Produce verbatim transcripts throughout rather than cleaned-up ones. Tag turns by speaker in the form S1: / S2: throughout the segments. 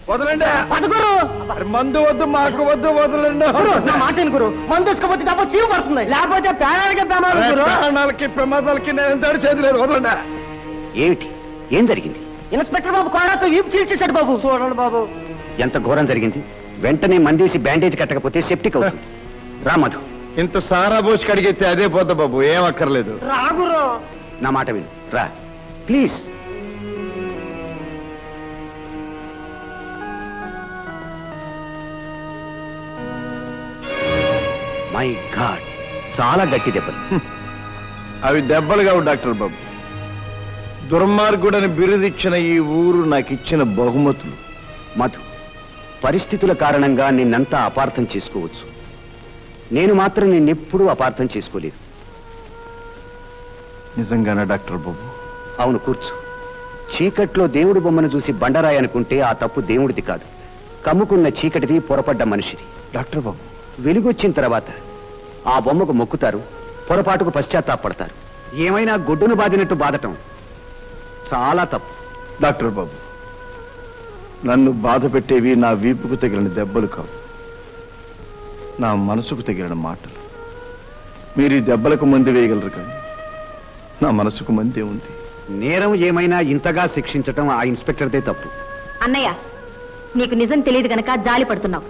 S1: వదలండి
S2: పదగురు
S1: మందు వద్దు మాకు వద్దు వదలండి
S2: నా మాట గురు మందు తీసుకపోతే తప్ప చీవు పడుతుంది లేకపోతే ప్రాణాలకే ప్రమాదం గురు
S1: ప్రాణాలకి ప్రమాదాలకి నేను ఎంత చేయలేదు వదలండి
S3: ఏమిటి ఏం జరిగింది?
S2: ఇన్స్పెక్టర్ బాబు కోడాతో వీపు చీల్చేశాడు బాబు. చూడండి బాబు
S3: ఎంత ఘోరం జరిగింది. వెంటనే మందేసి బ్యాండేజ్ కట్టకపోతే సెప్టిక్ అవుతుంది. రా మధు.
S1: ఇంత సారా పోసి కడిగితే అదే పోతా బాబు, ఏం అక్కర్లేదు.
S2: రాగురు
S3: నా మాట విను, రా ప్లీజ్. మై గాడ్, చాలా గట్టి దెబ్బలు.
S1: అవి దెబ్బలు కావు డాక్టర్ బాబు, దుర్మార్గుడని బిరుదిచ్చిన ఈ ఊరు నాకు ఇచ్చిన బహుమతులు.
S3: మధు, పరిస్థితుల కారణంగా నిన్నంతా అపార్థం చేసుకోవచ్చు. నేను మాత్రం నిన్నెప్పుడూ అపార్థం చేసుకోలేదు.
S1: నిజంగానా డాక్టర్ బాబు?
S3: అవును, కూర్చో. చీకట్లో దేవుడి బొమ్మను చూసి బండరాయి అనుకుంటే ఆ తప్పు దేవుడిది కాదు, కమ్ముకున్న చీకటిది, పొరపడ్డ మనిషిది.
S1: డాక్టర్ బాబు,
S3: వెలుగొచ్చిన తర్వాత ఆ బొమ్మకు మొక్కుతారు, పొరపాటుకు పశ్చాత్తాపడతారు. ఏమైనా గుడ్డును బాదినట్టు బాధటం చాలా తప్పు.
S1: డాక్టర్ బాబు, నన్ను బాధ పెట్టేవి నా వీపుకు తగిలిన దెబ్బలు కావు, నా మనసుకు తగిలిన మాటలు. మీరు ఈ దెబ్బలకు మంది వేయగలరు, కానీ నా మనసుకు మందే ఉంది.
S3: నేరం ఏమైనా ఇంతగా శిక్షించటం ఆ ఇన్స్పెక్టర్దే తప్పు.
S4: అన్నయ్య, నీకు నిజం తెలియదు గనక జాలి పడుతున్నావు.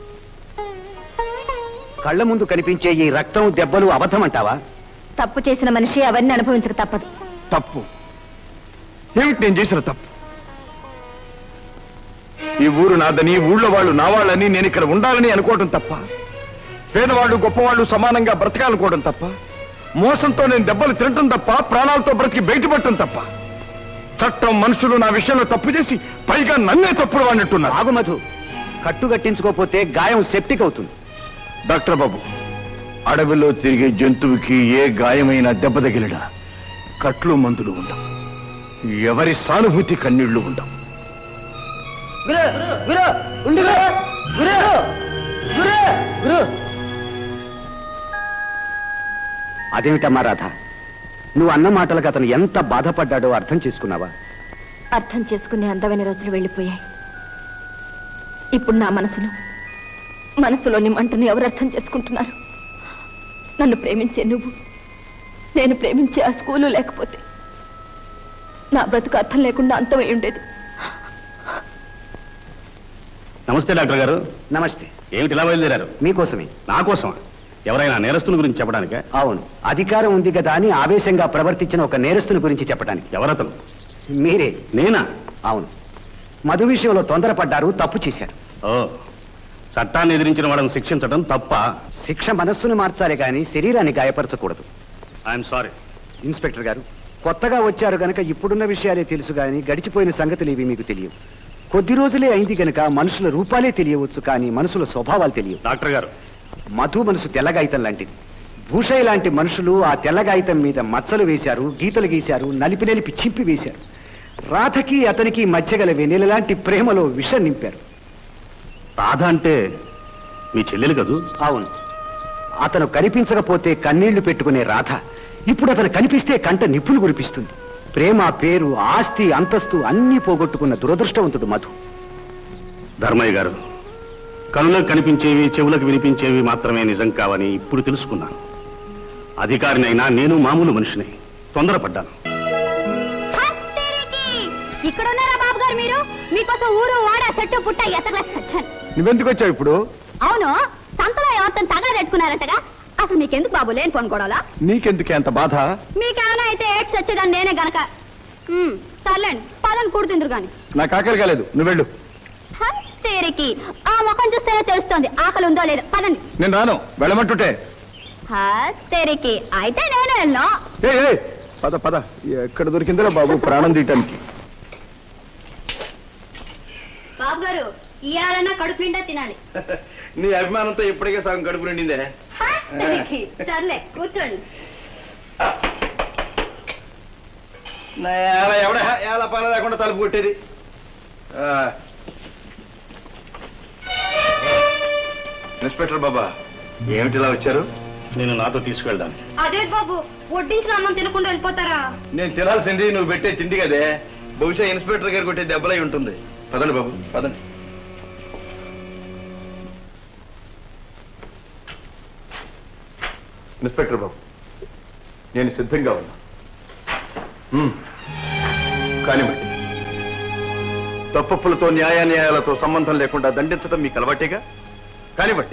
S3: కళ్ళ ముందు కనిపించే ఈ రక్తం, దెబ్బలు అబద్ధం అంటావా?
S4: తప్పు చేసిన మనిషి అవన్నీ అనుభవించక తప్పదు.
S1: తప్పు ఏమిటి నేను చేసిన తప్పు? ఈ ఊరు నాదని, ఊళ్ళో వాళ్ళు నా వాళ్ళని, నేను ఇక్కడ ఉండాలని అనుకోవడం తప్ప, పేదవాళ్ళు గొప్పవాళ్ళు సమానంగా బ్రతకాలనుకోవడం తప్ప, మోసంతో నేను దెబ్బలు తినటం తప్ప, ప్రాణాలతో బ్రతికి బయటపడటం తప్ప, చట్టం మనుషులు నా విషయంలో తప్పు చేసి పైగా నన్నే తప్పుడు వాడినట్టున్నారు.
S3: ఆగు మధు, కట్టుగట్టించుకోపోతే గాయం సెప్టిక్ అవుతుంది.
S1: డాక్టర్ బాబు, అడవిలో తిరిగే జంతువుకి ఏ గాయమైన దెబ్బ తగిలినా కట్లు మందులు ఉండవు, ఎవరి సానుభూతి కన్నీళ్లు ఉండవు.
S3: అదేమిటమ్మా రాధ, నువ్వు అన్న మాటలకు అతను ఎంత బాధపడ్డాడో అర్థం చేసుకున్నావా?
S4: అర్థం చేసుకునే అందమైన రోజులు వెళ్ళిపోయాయి. ఇప్పుడు నా మనసును, మనసులోని మంటను ఎవరు అర్థం చేసుకుంటున్నారు? నన్ను ప్రేమించే నువ్వు, నేను ప్రేమించే ఆ స్కూలు లేకపోతే నా బ్రతుకు అర్థం లేకుండా అంతమై ఉండేది.
S5: నమస్తే డాక్టర్ గారు.
S3: నమస్తే.
S5: ఏమిటి ఇలా బయలుదేరారు?
S3: మీకోసమే.
S5: నా కోసమా? ఎవరైనా నేరస్తుల గురించి చెప్పడానికే?
S3: అవును, అధికారం ఉంది కదా అని ఆవేశంగా ప్రవర్తించిన ఒక నేరస్తుని గురించి చెప్పడానికి.
S5: ఎవరతను?
S3: మీరే.
S5: నేనా?
S3: అవును, మధు విషయంలో తొందరపడ్డారు, తప్పు చేశారు.
S5: ఓ, చట్టాన్ని ఎదిరించిన వాళ్ళని శిక్షించడం తప్ప?
S3: శిక్ష మనస్సును మార్చాలి కానీ శరీరాన్ని గాయపరచకూడదు.
S5: I'm sorry.
S3: ఇన్స్పెక్టర్ గారు, కొత్తగా వచ్చారు గనక ఇప్పుడున్న విషయాలే తెలుసు కానీ గడిచిపోయిన సంగతులు ఇవి మీకు తెలియవు. కొద్ది రోజులే అయింది గనక మనుషుల రూపాలే తెలియవచ్చు, కానీ మనుషుల స్వభావాలు తెలియవు.
S5: డాక్టర్ గారు,
S3: మధు మనసు తెల్లగాయితం లాంటిది. భూషయ్య లాంటి మనుషులు ఆ తెల్లగాయితం మీద మచ్చలు వేశారు, గీతలు గీశారు, నలిపి నలిపి చింపి వేశారు. రాధకి అతనికి మధ్య గల వెన్నెల లాంటి ప్రేమలో విషం నింపారు.
S5: రాధ అంటే మీ చెల్లెలు కదూ?
S3: అవును, అతను కనిపించకపోతే కన్నీళ్లు పెట్టుకునే రాధ ఇప్పుడు అతను కనిపిస్తే కంట నిప్పులు కురిపిస్తుంది. ప్రేమ, పేరు, ఆస్తి, అంతస్తు అన్నీ పోగొట్టుకున్న దురదృష్టవంతుడు మధు.
S5: ధర్మయ్య గారు, కనులకు కనిపించేవి, చెవులకు వినిపించేవి మాత్రమే నిజం కావని ఇప్పుడు తెలుసుకున్నాను. అధికారినైనా నేను మామూలు మనిషిని, తొందరపడ్డాను.
S4: ఇక్కడున్నారా బాబు గారు మీరు? మీకోసం ఊరు వాడ చెట్టు పుట్ట ఎత్తగా సచ్చాను.
S1: నువ్వెందుకు వచ్చావు ఇప్పుడు?
S4: అవును, సంతలో ఎవరితో తగల పెట్టుకున్నారంటగా. అసలు మీకెందుకు బాబు లేని పనుకోవడాలా?
S1: నీకెందుకే అంత బాధ?
S4: మీకేమైనా అయితే ఏడ్స్ వచ్చేదాన్ని నేనే గనక. సర్లేండి, పదని కూడుతుందరు గాని.
S1: నాకు ఆకలి కాలేదు, నువ్వు వెళ్ళు.
S4: తేరికి ఆ ముఖం చూస్తేనే తెలుస్తోంది ఆకలి ఉందో లేదో. పదండి.
S1: నేను రాను, వెళ్ళమంటుంటే.
S4: తేరికి అయితే నేను వెళ్ళను.
S1: ఏ ఏ, పద పద. ఎక్కడ దొరికిందో బాబు ప్రాణం తీయటానికి.
S4: బాబు గారు, ఇయాలన్నా కడుపు నిండా తినాలి.
S1: నీ అభిమానంతో ఇప్పటికే సగం కడుపు నిండిందే.
S4: సర్లే, కూర్చోండి.
S1: ఎవడ ఎలా పని లేకుండా తలుపు కొట్టేది. ఇన్స్పెక్టర్ బాబా, ఏమిటి ఇలా వచ్చారు?
S5: నేను నాతో తీసుకెళ్ళడానికి.
S4: అదే బాబు, వడ్డించిన అన్నం తినకుండా వెళ్ళిపోతారా?
S1: నేను తినాల్సింది నువ్వు పెట్టే తిండి కదే. బహుశా ఇన్స్పెక్టర్ గారు కొట్టే దెబ్బలై ఉంటుంది. పదండి బాబు, పదండి. ఇన్స్పెక్టర్ బాబు, నేను సిద్ధంగా ఉన్నా. మ్మ్. కానివ్వండి. తప్పులతో న్యాయాన్యాయాలతో సంబంధం లేకుండా దండించడం మీకు అలవాటేగా. కానివ్వండి.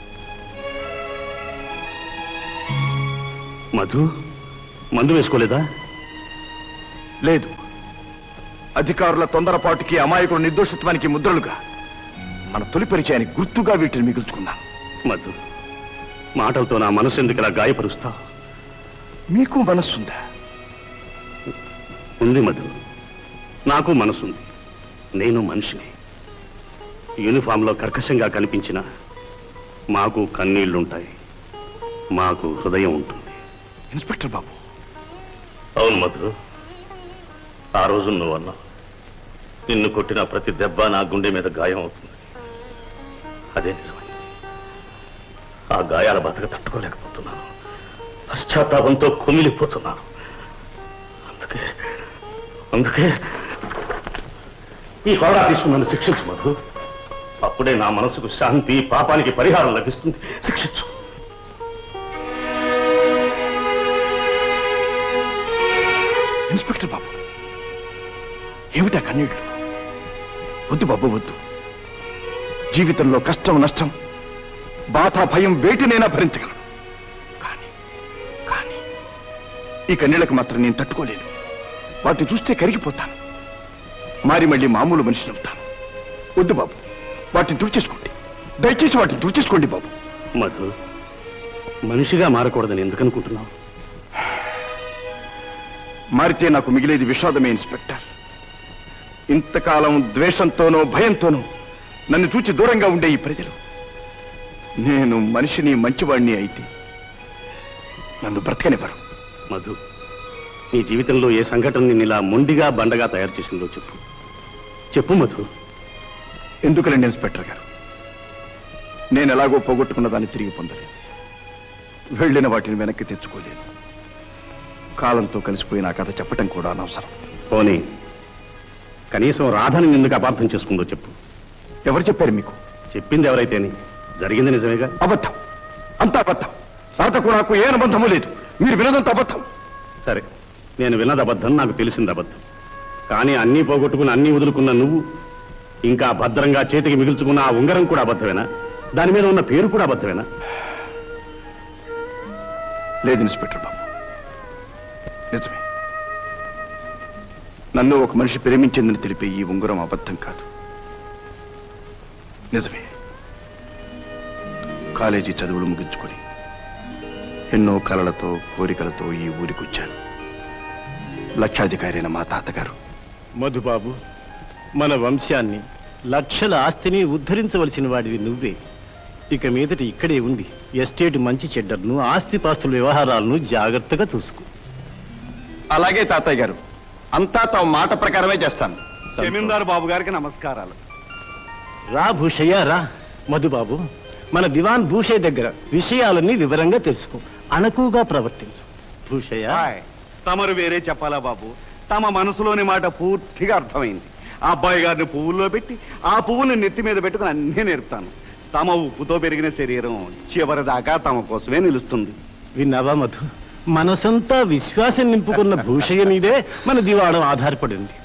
S5: మధు మందు వేసుకోలేదా?
S1: లేదు. అధికారుల తొందరపాటుకి, అమాయకుల నిర్దోషత్వానికి ముద్రలుగా మన తొలి పరిచయానికి గుర్తుగా వీటిని మిగుల్చుకున్నాను.
S5: మధు, మాటలతో నా మనసు ఎందుకు ఇలా గాయపరుస్తావు?
S1: మీకు మనస్సుందా?
S5: ఉంది మధు, నాకు మనసుంది. నేను మనిషిని. యూనిఫామ్లో కర్కశంగా కనిపించిన మాకు కన్నీళ్లుంటాయి, మాకు హృదయం ఉంటుంది.
S1: ఇన్స్పెక్టర్ బాబు,
S5: అవును మధు, ఆ రోజు నువ్వు అన్నావు, నిన్ను కొట్టిన ప్రతి దెబ్బ నా గుండె మీద గాయం అవుతుంది. అదే నిజమైంది. ఆ గాయాల బతక తట్టుకోలేకపోతున్నాను. పశ్చాత్తాపంతో కుమిలిపోతున్నాను. అందుకే అందుకే ఈ హోదా తీసుకుని నన్ను శిక్షించు మధు. అప్పుడే నా మనసుకు శాంతి, పాపానికి పరిహారం లభిస్తుంది. శిక్షించు.
S1: ఇన్స్పెక్టర్ బాబు, ఏమిటా కన్నీళ్లు? వద్దు బాబు, వద్దు. జీవితంలో కష్టం, నష్టం, బాధ, భయం వేటినైనా భరించగలను. కానీ కానీ ఈ కన్నీళ్లకు మాత్రం నేను తట్టుకోలేను. వాటిని చూస్తే కరిగిపోతాను. మారి మళ్ళీ మామూలు మనిషిని అవుతాను. వద్దు బాబు, వాటిని తుడిచేసుకోండి. దయచేసి వాటిని తుడిచేసుకోండి బాబు.
S5: మధు, మనిషిగా మారకూడదని ఎందుకు అనుకుంటున్నావు?
S1: మారితే నాకు మిగిలేది విషాదమే ఇన్స్పెక్టర్. ఇంతకాలం ద్వేషంతోనో భయంతోనో నన్ను చూచి దూరంగా ఉండే ఈ ప్రజలు, నేను మనిషిని, మంచివాణ్ణి అయితే నన్ను బ్రతకనివ్వరు.
S5: మధు, నీ జీవితంలో ఏ సంఘటన నిన్ను ఇలా మొండిగా, బండగా తయారు చేసిందో చెప్పు. చెప్పు మధు.
S1: ఎందుకులండి ఇన్స్పెక్టర్ గారు? నేను ఎలాగో పోగొట్టుకున్న దాన్ని తిరిగి పొందలేదు. వెళ్ళిన వాటిని వెనక్కి తెచ్చుకోలేదు. కాలంతో కలిసిపోయిన ఆ కథ చెప్పటం కూడా అనవసరం.
S5: పోనీ కనీసం రాధని ఎందుకు అపార్థం చేసుకుందో చెప్పు.
S1: ఎవరు చెప్పారు మీకు?
S5: చెప్పింది ఎవరైతేని జరిగింది నిజమేగా.
S1: అబద్ధం, అంతా అబద్ధం. రాధకు నాకు ఏ అనుబంధము లేదు. మీరు వినదంత అబద్ధం.
S5: సరే, నేను విన్నది అబద్ధం, నాకు తెలిసింది అబద్ధం. కానీ అన్నీ పోగొట్టుకుని అన్నీ వదులుకున్న నువ్వు ఇంకా భద్రంగా చేతికి మిగుల్చుకున్న ఆ ఉంగరం కూడా అబద్ధమేనా? దాని మీద ఉన్న పేరు కూడా అబద్ధమేనా?
S1: లేదు ఇన్స్పెక్టర్ బాబు, నిజమే. నన్ను ఒక మనిషి ప్రేమించిందని తెలిపే ఈ ఉంగరం అబద్ధం కాదు, నిజమే. కాలేజీ చదువులు ముగించుకొని ఎన్నో కలలతో, కోరికలతో ఈ ఊరికి వచ్చాను. లక్షాధికారి అయిన మా తాతగారు,
S6: మధుబాబు, మన వంశాన్ని, లక్షల ఆస్తిని ఉద్ధరించవలసిన వాడివి నువ్వే. ఇక మీదట ఇక్కడే ఉండి ఎస్టేట్ మంచి చెడ్డర్ను, ఆస్తిపాస్తుల వ్యవహారాలను జాగ్రత్తగా చూసుకో.
S1: అలాగే తాతయ్య గారు, అంతా తమ మాట ప్రకారమే చేస్తాను.
S3: జమీందారు బాబు గారికి నమస్కారాలు.
S6: రా భూషయ్య, రా. మధుబాబు, మన దివాన్ భూషయ్య దగ్గర విషయాలన్నీ వివరంగా తెలుసుకో, అణకుగా ప్రవర్తించు. భూషయ్య,
S3: హాయ్. తమరు వేరే చెప్పాలా బాబు? తమ మనసులోని మాట పూర్తిగా అర్థమైంది. ఆ అబ్బాయి గారిని పువ్వుల్లో పెట్టి ఆ పువ్వుని నెత్తి మీద పెట్టుకుని అన్నీ నేర్పుతాను. తమ ఉప్పుతో పెరిగిన శరీరం చివరిదాకా తమ కోసమే నిలుస్తుంది.
S6: విన్నావా మధు? మనసంతా విశ్వాసం నింపుకున్న భూషయ్య మీదే మన దివాణం ఆధారపడి ఉంది.